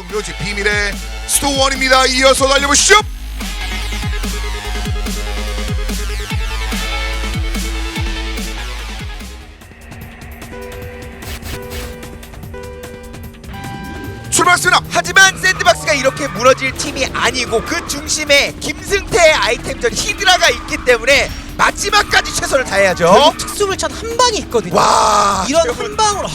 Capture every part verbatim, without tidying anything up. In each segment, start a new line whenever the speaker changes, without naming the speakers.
묘지 비밀의 스토원입니다. 이어서 달려보시죠. 출발했습니다.
하지만 샌드박스가 이렇게 무너질 팀이 아니고 그 중심에 김승태의 아이템전 히드라가 있기 때문에 마지막까지 최선을 다해야죠.
결국 특수물찬 한 방이 있거든요.
와,
이런
최근-
한 방으로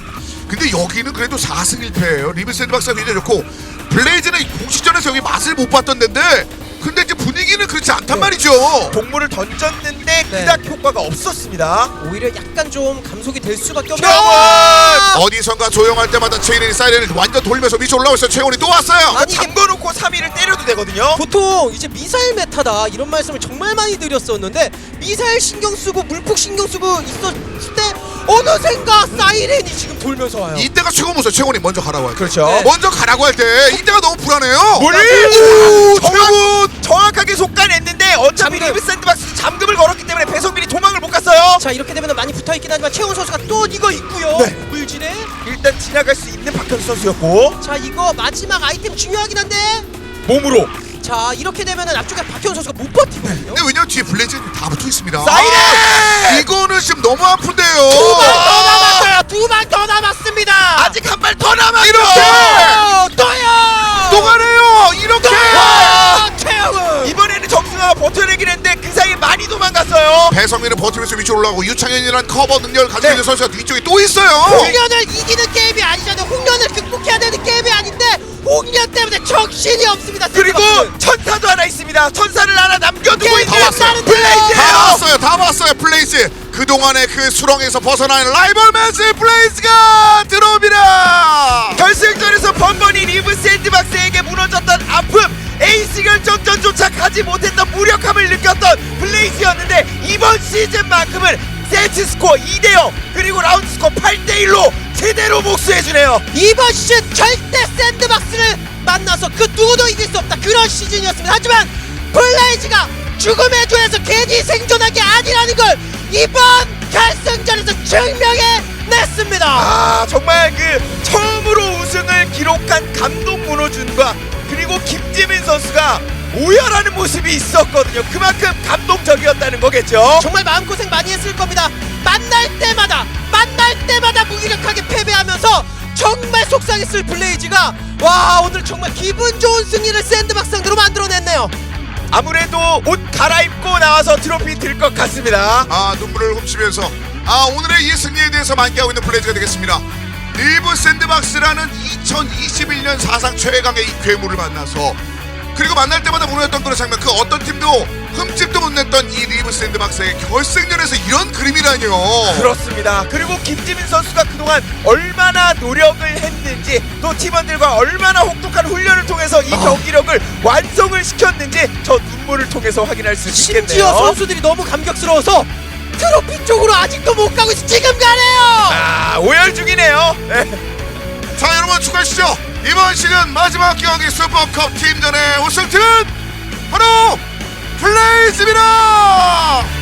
근데 여기는 그래도 사 승 일 패예요. 리브 샌드박스가 굉장히 좋고 블레이즈는 공식전에서 여기 맛을 못 봤던 데인데 근데 이제 분위기는 그렇지 않단
네.
말이죠.
동물을 던졌는데
네.
그닥 효과가 없었습니다.
오히려 약간 좀 감속이 될 수밖에 없는.
최원!
어디선가 조용할 때마다 최인이 사이렌을 완전 돌면서 위로 올라오고 있어요. 최원이 또 왔어요.
아니, 이게-
잠궈놓고 삼 위를 때려도 되거든요.
보통 이제 미사일 메타다 이런 말씀을 정말 많이 드렸었는데 미사일 신경 쓰고 물폭 신경 쓰고 있었을 때 어느샌가 사이렌이 지금 돌면서 와요.
이때가 최고 무서워. 최원이 먼저 가라고 할 때.
그렇죠.
네.
먼저 가라고 할 때 이때가 너무 불안해요.
물!
오,
정확-
최원!
정확하게 속간했는데 어차피
잠금.
리브 샌드박스 잠금을 걸었기 때문에 배성민이 도망을 못 갔어요.
자 이렇게 되면 많이 붙어있긴 하지만 최훈 선수가 또 이거 있고요.
네.
물질에
일단 지나갈 수 있는 박현수 선수였고
자 이거 마지막 아이템 중요하긴 한데
몸으로
자 이렇게 되면은 앞쪽에 박현 선수가 못 버티거든요.
근데 왜냐면 뒤에 블레이즈 다 붙어 있습니다.
사이렌!
아, 이거는 지금 너무 아픈데요.
두 방 더 남았어요. 두 방 더 남았습니다.
아직 한 발 더 남았죠.
이렇게!
어, 또요.
또 가네요. 이렇게.
아, 최영은
이번에는 정승아가 버텨내긴 했는데 그 사이에 많이 도망갔어요.
배성민은 버티면서 위로 올라오고 유창현이란 커버 능력을 가지고
네.
있는 선수가 뒤쪽에 또 있어요.
홍련을 이기는 게임이 아니잖아요. 홍련을 극복해야 되는 게임이 아닌데 홍련 때문에 정신이 없습니다.
그리고
샌드박스.
천사도 하나 있습니다. 천사를 하나 남겨두고
게임
있는
끝나는데요.
다
블레이즈예요.
왔어요. 다 왔어요. 블레이즈. 그동안의 그 수렁에서 벗어나는 라이벌 매치 블레이즈가 들어옵니다.
결승전에서 번번이 리브 샌드박스에게 무너졌던 아픔, 에이스 결정전조차 가지 못했던 무력함을 느꼈던 블레이즈였는데 이번 시즌만큼은 세트 스코어 이 대 영 그리고 라운드 스코어 팔 대 일로 제대로 복수해주네요.
이번 시즌 절대 샌드박스를 만나서 그 누구도 이길 수 없다 그런 시즌이었습니다. 하지만 블레이즈가 죽음의 조에서 괜히 생존한 게 아니라는 걸 이번 결승전에서 증명해냈습니다.
아 정말 그 처음으로 우승을 기록한 감독 문호준과 그리고 김지민 선수가 오열하는 모습이 있었거든요. 그만큼 감동적이었다는 거겠죠.
정말 마음고생 많이 했을 겁니다. 만날 때마다 만날 때마다 무기력하게 패배하면서 정말 속상했을 블레이즈가 와 오늘 정말 기분 좋은 승리를 샌드박스 상대로 만들어냈네요.
아무래도 옷 갈아입고 나와서 트로피 들 것 같습니다.
아 눈물을 훔치면서 아 오늘의 이 승리에 대해서 만개하고 있는 블레이즈가 되겠습니다. 리브 샌드박스라는 이천이십일 년 사상 최강의 이 괴물을 만나서 그리고 만날 때마다 무너졌던 그런 장면, 그 어떤 팀도 흠집도 못 냈던 이 리브 샌드박스의 결승전에서 이런 그림이라뇨.
그렇습니다. 그리고 김지민 선수가 그동안 얼마나 노력을 했는지 또 팀원들과 얼마나 혹독한 훈련을 통해서 이 경기력을 완성을 시켰는지 저 눈물을 통해서 확인할 수
심지어
있겠네요.
선수들이 너무 감격스러워서 트로피 쪽으로 아직도 못 가고 있어. 지금 가네요.
아 오열 중이네요. 네.
자 여러분 축하하시죠. 이번 시즌 마지막 경기 슈퍼컵 팀전의 우승팀은 바로 블레이즈입니다.